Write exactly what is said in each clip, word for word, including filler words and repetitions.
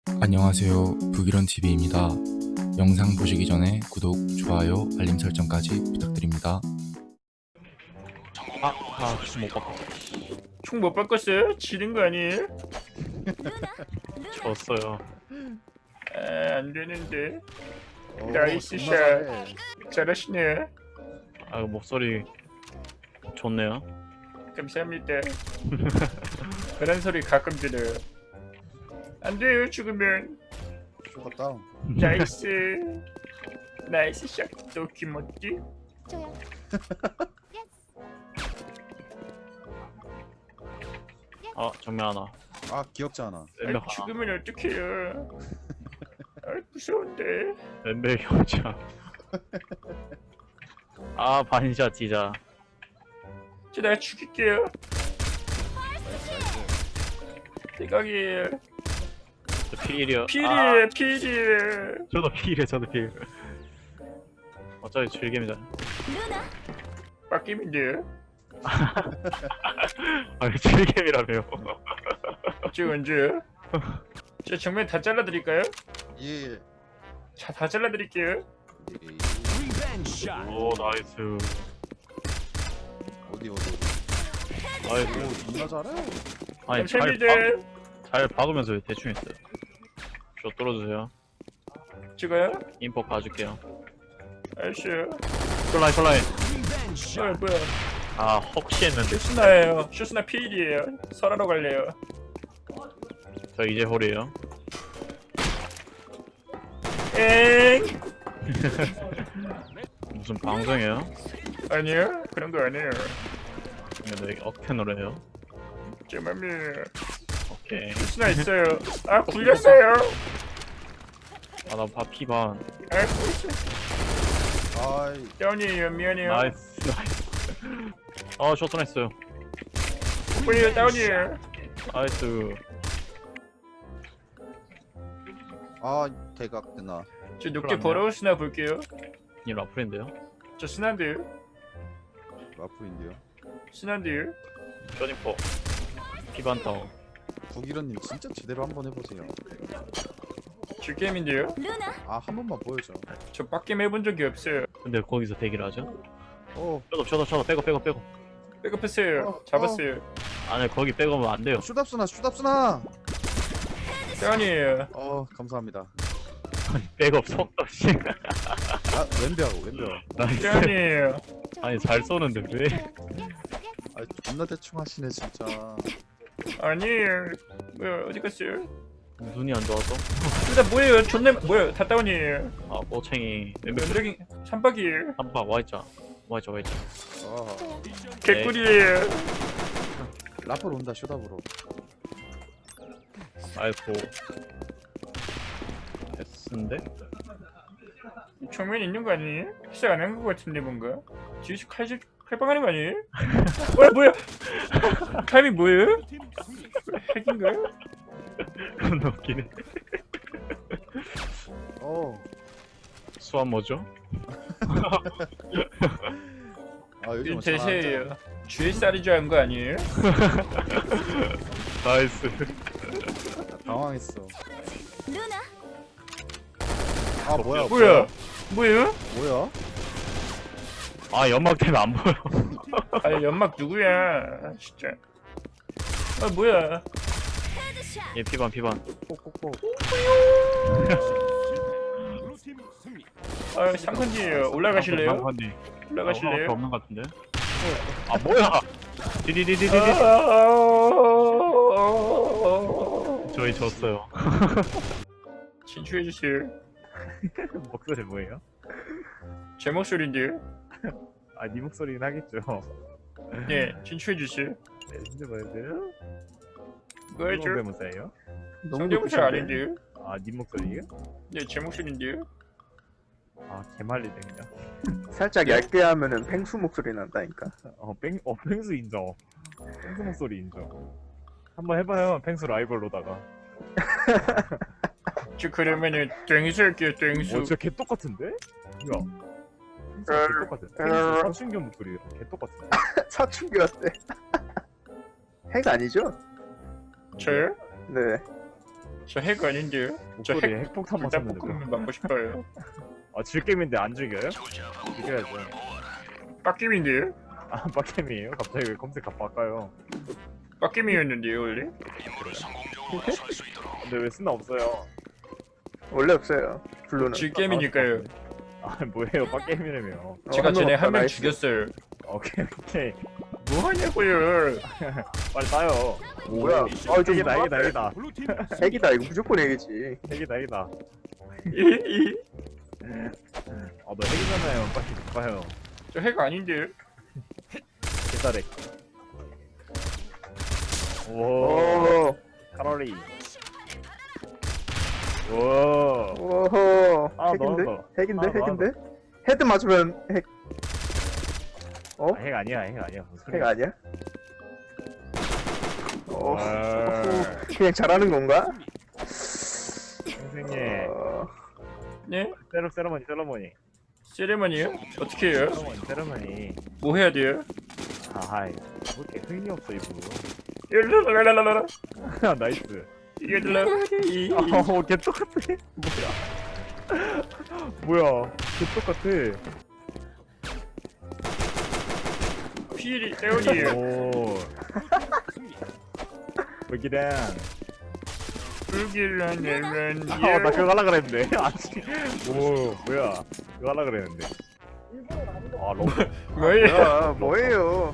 안녕하세요. 북이런티비입니다. 영상 보시기 전에 구독, 좋아요, 알림 설정까지 부탁드립니다. 아, 아, 못 바꿨어. 총 못 바꿨어요? 지는 거 아니에요? 졌어요. 아, 안 되는데. 오, 나이스 존나 샷. 잘해. 잘하시네. 아, 목소리 좋네요. 감사합니다. 그런 소리 가끔 들어요. 안 돼요, 죽으면. 슈가 다운. 나이스. 나이스 샷. 도키모찌. 저요. 아, 정면 하나. 아 기억지 않아. 왼벽 아, 하나. 죽으면 어떡해요. 아, 무서운데. 왼벽 형자. 아, 반샷 진짜. 저 내가 죽일게요. 대각이에요. 저 피일이요. 아, 필이에요, 필이에요. 저도 피일이요, 저도 피일. 어차피 즐깁니다. 빡김인데요. 아, 즐김이라며요. 지금 언제요? 저 정면 다 잘라드릴까요? 예. 자, 다 잘라드릴게요. 오, 나이스. 어디 어디 어디. 나이스. 오 존나 잘해. 아니, 잘, 감사합니다. 박, 잘 박으면서 왜 대충 했어요. 저 뚫어주세요. 찍어요? 인포 가줄게요. 알았어요. 콜라인, 콜라인. 뭐야, 뭐야. 아, 혹시 했는데. 슈스나예요. 슈스나 필이에요. 설하러 갈래요. 저 이제 홀이에요. 엥? 무슨 방송이에요? 아니요, 그런 거 아니에요. 근데 왜 억텐으로 해요? 제 맘이에요. 오케이. 슈스나 있어요. 아, 굴렸어요. 아, 나 바, 피반. 아, 굴렸어요. 아이 다운이에요. 미안해요. 나이스, 나이스. 아, 쇼트 했어요. 굴려요, 다운이에요. 나이스. 아 대각 되나. 저 높게 그러네요. 벌어올 스나 볼게요. 이 라플인데요? 저 스나인데요. 라프인데요. 스나인데요. 쇼닝포. 피반 다운. 북이런님 진짜 제대로 한번 해보세요. 저 게임인데요. 아 한 번만 보여줘. 저 빡게임 해본 적이 없어요. 근데 거기서 대기를 하죠? 어 쇼도, 쇼도, 쇼도, 빼고, 빼고, 빼고. 백업했어요. 어, 잡았어요. 아니, 거기 빼고면 안 돼요. 슈답스나 슈답스나. 다운이에요. 어 감사합니다. 백업 속도, 씨. 아 왼벽 왼벽. 나이스. 다운이에요. 아니, 잘 쏘는데, 왜? 아 존나 대충 하시네 진짜. 아니에요. 뭐야, 어디 갔어요? 눈이 안 좋아서? 일단 뭐예요? 존나 뭐야? 다 다운이에요. 아, 꼬챙이. 왼벽 면적이 삼박이에요. 한박 와있자. 와있자, 와있자. 아 개꿀이에요. 라플 온다 슈답으로. 아이고. S인데? 정면에 있는 거 아니에요? 시작 안 한 거 같은데 뭔가? 뒤에서 칼질 칼빵하는 거 아니에요? 뭐야 뭐야? 타이밍 뭐예요? 핵인가요? 겁나 웃기네. 어. 수완 뭐죠? 아 요즘 이 대세예요. 주에 쌀이 좋아한 거 아니에요? 나이스. 당황했어. 아 뭐야 뭐야? 뭐예요? 뭐야? 아, 연막 때문에 안 보여. 아 연막 누구야? 진짜. 아 뭐야? 얘 피반, 피반. 꼭꼭꼭. 아 삼컨디예요. 올라가실래요? 상관이. 올라가실래요? 없는 것 같은데? 아, 뭐야! 디디디디디디. 아, 저희 졌어요. 진출해 주세요. 목소리 뭐예요? 제 목소리인데요. 아, 네 목소리긴 하겠죠. 네, 진출해 주세요. 네, 진짜 뭐였어요? 뭐죠? 성대모사예요? 성대모사 아닌데요? 아, 네 목소리예요? 네, 제 목소리인데요. 아, 개말리네 그냥. 살짝 얇게 하면은 펭수 목소리 난다니까. 어, 뺑, 어, 펭수 인정. 펭수 목소리 인정. 한번 해봐요, 펭수 라이벌로다가. 저 그러면은 땡수 할게요, 어, 땡수. 진짜 개 똑같은데? 야, 펭수 개 똑같아. 펭수 사춘경 목소리랑 개 똑같은데? 사춘기 어때? 핵 아니죠? 저요? 네. 저 핵 아닌데요? 저 목소리 핵 핵폭탄 맞았는데. 불닭볶음면 먹고 싶어요. 아 질겜인데 안 죽여요? 죽여야죠. 빡김인데요? 아 빡캠이에요? 갑자기 왜 검색 바꿔요? 빡김이었는데요 원래? 근데 왜 쓰나 없어요? 원래 없어요. 블루는. 질겜이니까요. 아 뭐예요? 빡겜이라며. 어, 제가 한명 전에 없다, 한 명 나이스. 죽였어요. 오케이 오케이. 뭐 하냐고요? 빨리 따요. 뭐야? 아, 좀 핵이다 핵이다 뭐야? 핵이다. 핵이다. 이거 무조건 핵이지. 핵이다 핵이다. 이- 이- 아너 핵이잖아요. 빨리 봐요. 저 핵 아닌데요? 개사렉. 오. 오. 칼로리. 오. 오호. 아, 핵인데? 넣었어. 핵인데? 아, 핵인데? 헤드 맞으면 핵. 어? 아, 핵 아니야 핵 아니야. 무슨 핵 소리야. 아니야? 어. 와. 그냥 잘하는 건가? 선생님. 어. 네? 세러 세러머니 세러머니. 세레머니요? 어떻게 해요? 세러머니 세러머니. 뭐 해야 돼요? 아하이. 왜 이렇게 흥이 없어 이분. 랄랄랄랄랄라 나이스. 이거들라 이 어, 개 똑같아. 뭐야? 뭐야? 개 똑같아. 피리 에어니에요. 오. 여기랑. 불길한 앨런 아, 나 그거 하려 그랬는데. 아직. 오, 뭐야? 그거 하려 그랬는데. 아, 너무. 뭐예요? 야, 뭐예요?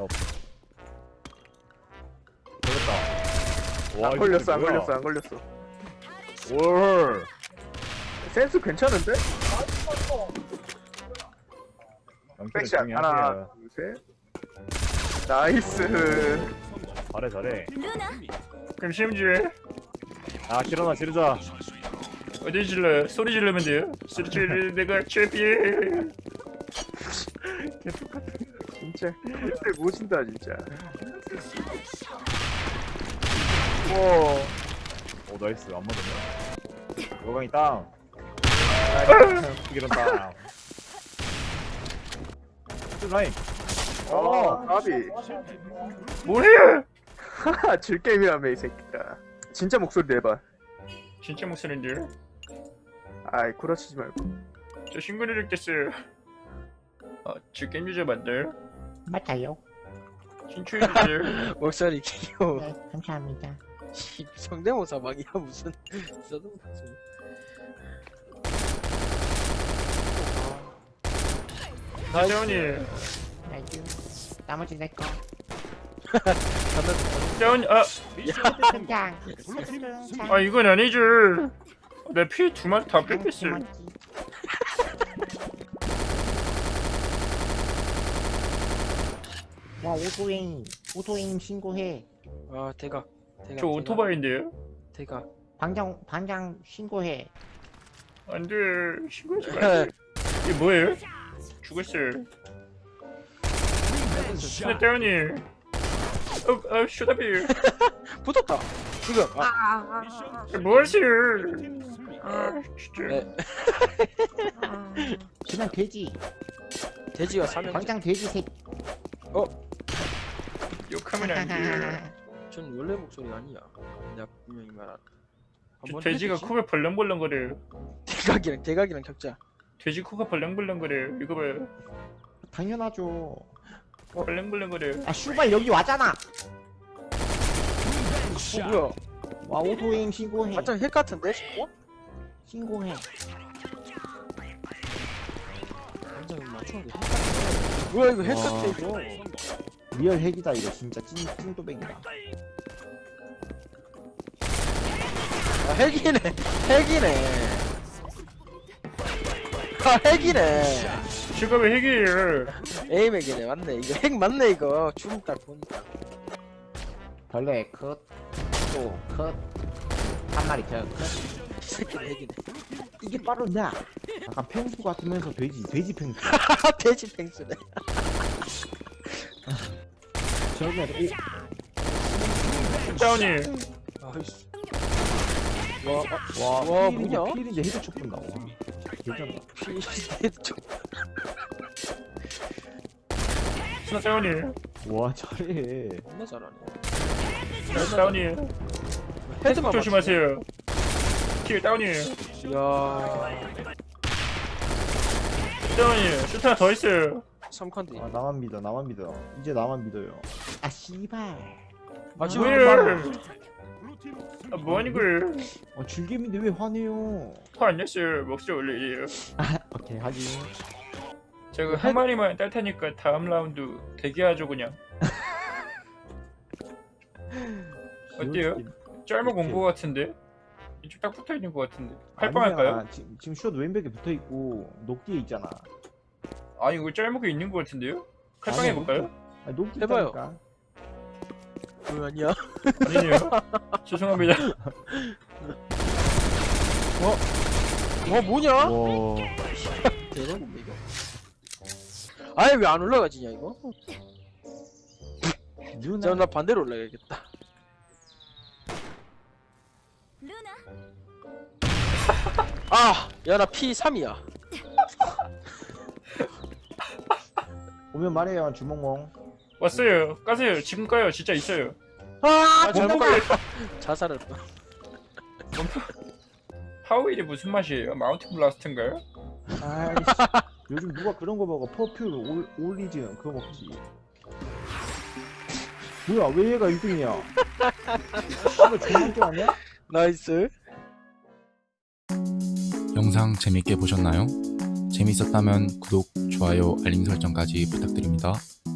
걸렸다. 와, 안 이거 걸렸어, 안 뭐야? 걸렸어, 안 걸렸어. 올. 센스 괜찮은데? 백샷 조용히 하나, 하세요. 둘, 셋. 나이스. 잘해, 잘해. 그럼 심지어 아, 지르나 지르자. 어디 질러요? 소리 지르면 돼요? 소리 지르 내가 챔피언. 진짜 진짜 모신다 진짜. 오. 오, 나이스. 안 맞았네. 요강이 땅. 이런 땅. 라인. 어, 어. 까비. 뭐해요? 하하, 질게임이라며 이 새끼야. 진짜 목소리 내봐. 진짜 목소리인데요? 아이 구라치지 말고. 저 신고를 됐어요. 아, 저 게임 유저 맞나요? 맞아요. 신초해주세요. 목소리 귀여워. 네, 감사합니다. 이 성대모사 막이야 무슨 써도 무슨. 다운이 나이스. 나머지 내 거. 다운 아, 장 아 이건 아니죠. 내 피 두 마리 다 뺏겼어요. 와 오토에임 오토에임 신고해. 아 대각. 대각. 저 오토바이인데요? 대각. 방장 방장 신고해. 안돼 신고하지 마세요. 이게 뭐예요? 죽었어요. 신나 다운이. 어, 아 쇼다비. 붙었다. 지금. 아, 뭐하세요? 아 진짜. 네. 그냥 돼지. 돼지가 사면. 방장 돼지 새. 욕하면 안 돼요. 전 원래 목소리 아니야. 내가 분명히 말한. 저 돼지가 코가 벌렁벌렁거려요. 대각이랑 대각이랑 격자. 돼지 코가 벌렁벌렁거려요. 이거 봐요. 당연하죠. 벌렁벌렁거려요. 아 슈발 여기 왔잖아. 어 뭐야? 와 오토에임 신고해. 완전 핵 같은데? 어? 신고해. 완전 맞추는 게 핵 같아. 뭐야 이거 핵 같아 이거. 리얼 핵이다 이거 진짜 찐 찐도백이다. 아 핵이네. 핵이네. 아 핵이네. 제가 왜 핵이에요? 에임 핵이네 맞네. 이거 핵 맞네 이거. 춤 딱 보니까. 벌레 컷. 또 컷. 한 마리 컷. 컷. 이 새끼는 핵이네. 이게 바로 나. 약간 펭수 같으면서 돼지 돼지 펭수. 돼지 펭수네. 저기 다운이. 아이씨. 와, 아, 와, 와, 필인데, 뭐냐? 필인데 헤드촉 본다. 와, 괜찮다. 피 좀. 신나 다운이. 와, 잘해. 겁나 잘하네. 다운이. 헤드만 조심하세요. 킬 다운이에요. 이야 다운이에요. 슈트 하나 더 있어요. 삼 칸디 아 나만 믿어 나만 믿어 이제 나만 믿어요. 아 씨발. 아 지금 뭐야? 아 뭐하는 거예요? 아 즐겜인데 왜 화내요? 화안 냈어요. 목소리 원래 이래요. 오케이 확인. 제가 한 마리만 딸 테니까 다음 라운드 대기하죠 그냥. 어때요? 짧은 공부 같은데? 이쪽 딱 붙어 있는 것 같은데. 칼빵할까요? 아니야, 지금 지금 숏 왼벽에 붙어 있고 녹디에 있잖아. 아니 이거 짧은 게 있는 것 같은데요? 칼빵 아니야, 해볼까요? 아니 녹디 해봐요. 있다니까. 왜 아니야? 아니에요. 죄송합니다. 와 뭐냐? 와. 대박인데 이거 아예 왜 안 올라가지냐 이거? 누나. 자, 나 반대로 올라가야겠다. 아, 야 나 피 삼이야. 오면 말해요 주몽몽. 왔어요. 까세요. 지금 까요. 진짜 있어요. 아, 잘못 뭔가- 가겠다. 자살했다. 파우일이 무슨 맛이에요? 마운틴 블라스트인가요? 아이씨. 요즘 누가 그런 거 먹어? 퍼퓸 올 올리지언 그거 먹지. 뭐야 왜 얘가 일 등이야? 이거 존망게 아니야? 나이스. 영상 재밌게 보셨나요? 재밌었다면 구독, 좋아요, 알림 설정까지 부탁드립니다.